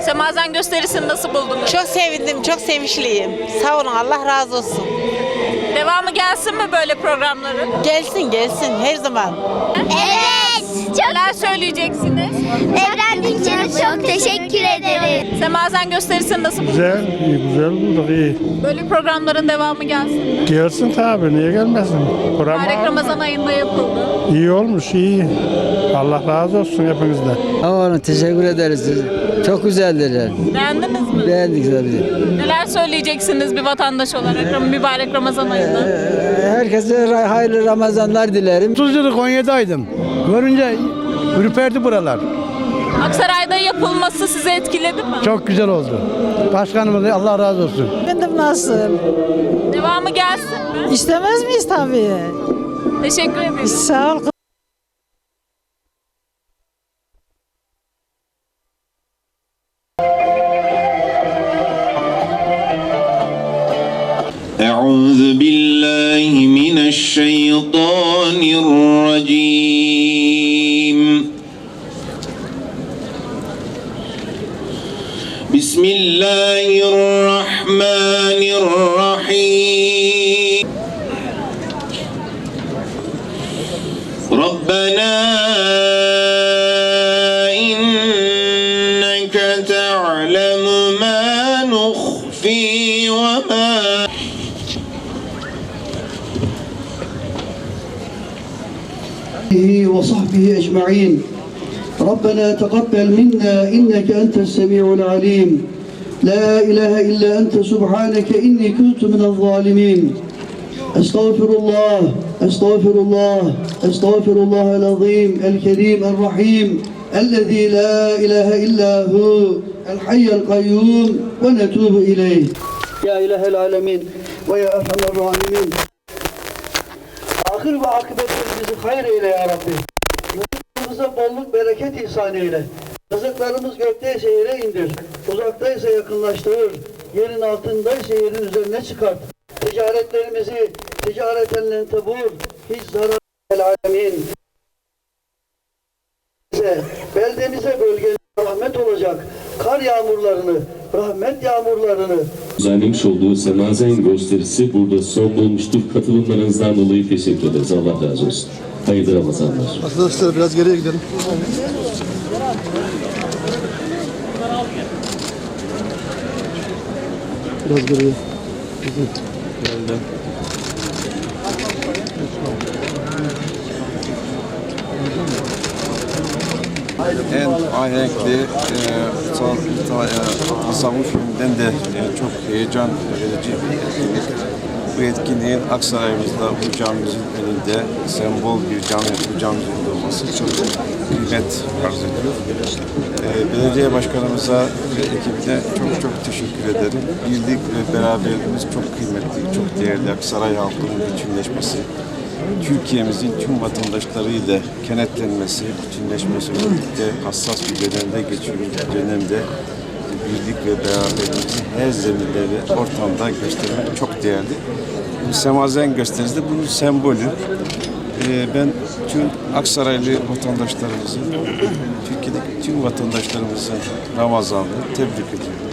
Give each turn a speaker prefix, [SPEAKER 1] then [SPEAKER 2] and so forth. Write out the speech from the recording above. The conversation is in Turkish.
[SPEAKER 1] Semazen gösterisini nasıl buldunuz?
[SPEAKER 2] Çok sevindim, çok sevinçliyim. Sağ olun, Allah razı olsun.
[SPEAKER 1] Devamı gelsin mi böyle programların?
[SPEAKER 2] Gelsin, gelsin her zaman.
[SPEAKER 3] Evet.
[SPEAKER 1] Neler söyleyeceksiniz?
[SPEAKER 3] Evren Dinçer'e çok teşekkür ederim.
[SPEAKER 1] Semazen gösterisini nasıl buldunuz?
[SPEAKER 4] Güzel, iyi, güzel bulduk, iyi.
[SPEAKER 1] Böyle programların devamı gelsin mi?
[SPEAKER 4] Gelsin tabii, niye gelmesin?
[SPEAKER 1] Mübarek Ramazan ayında yapıldı.
[SPEAKER 4] İyi olmuş, iyi. Allah razı olsun hepinizden.
[SPEAKER 5] Tamam, teşekkür ederiz. Çok güzeldir.
[SPEAKER 1] Beğendiniz mi?
[SPEAKER 5] Beğendik tabii.
[SPEAKER 1] Neler söyleyeceksiniz bir vatandaş olarak mübarek Ramazan ayında?
[SPEAKER 5] Herkese hayırlı Ramazanlar dilerim.
[SPEAKER 6] 30 yıllık Konya'daydım. Görünce ürperdi buralar.
[SPEAKER 1] Aksaray'da yapılması sizi etkiledi mi?
[SPEAKER 6] Çok güzel oldu. Başkanımız Allah razı olsun.
[SPEAKER 2] Efendim nasıl?
[SPEAKER 1] Devamı gelsin mi?
[SPEAKER 2] İstemez miyiz tabii?
[SPEAKER 1] Teşekkür ederim.
[SPEAKER 2] Sağ ol.
[SPEAKER 7] أعوذ بالله من الشيطان الرجيم بسم الله الرحمن الرحيم ربنا إنك تعلم ما نخفي وما
[SPEAKER 8] وصحبه أجمعين ربنا تقبل منا إنك أنت السميع العليم لا إله إلا أنت سبحانك إني كنت من الظالمين أستغفر الله أستغفر الله أستغفر الله العظيم الكريم الرحيم الذي لا إله إلا هو الحي القيوم ونتوب إليه يا إله العالمين ويا أرحم الراحمين Ahir ve akıbetlerimizi hayır eyle ya Rabbi. Rızkımıza bolluk bereket ihsan eyle. Rızıklarımız gökteyse yere indir. Uzaktaysa yakınlaştırır. Yerin altındaysa yerin üzerine çıkart. Ticaretlerimizi ticareten tebur. Hiç zarar el alemin. Beldemize bölgemize rahmet olacak. Kar yağmurlarını, rahmet yağmurlarını
[SPEAKER 9] Düzenlemiş olduğu Semazen gösterisi burada son bulmuştur. Katılımlarınızdan dolayı teşekkür ederiz. Allah razı olsun. Hayırlı Ramazanlar.
[SPEAKER 6] Arkadaşlar biraz geriye gidelim. Biraz geriye. Geldi.
[SPEAKER 10] En ahenkli tasavvuf filminden de çok heyecan verici bir etkinlik. Bu etkinliğin Aksaray'ımızda bu camimizin önünde sembol bir camimizin olması çok kıymet arz ediyor. Belediye başkanımıza ve ekibine çok teşekkür ederim. Birlik ve beraberliğimiz çok kıymetli, çok değerli. Aksaray halkının bütünleşmesi, Türkiye'mizin tüm vatandaşlarıyla kenetlenmesi, bütünleşmesi birlikte hassas bir dönemde geçiyoruz. Bu dönemde birlik ve beraberliğimizi her zeminde ve ortamda göstermek çok değerli. Bu Semazen gösterisi bunun sembolü. Ben tüm Aksaraylı vatandaşlarımızın, Türkiye'deki tüm vatandaşlarımızın Ramazan'ını tebrik ediyorum.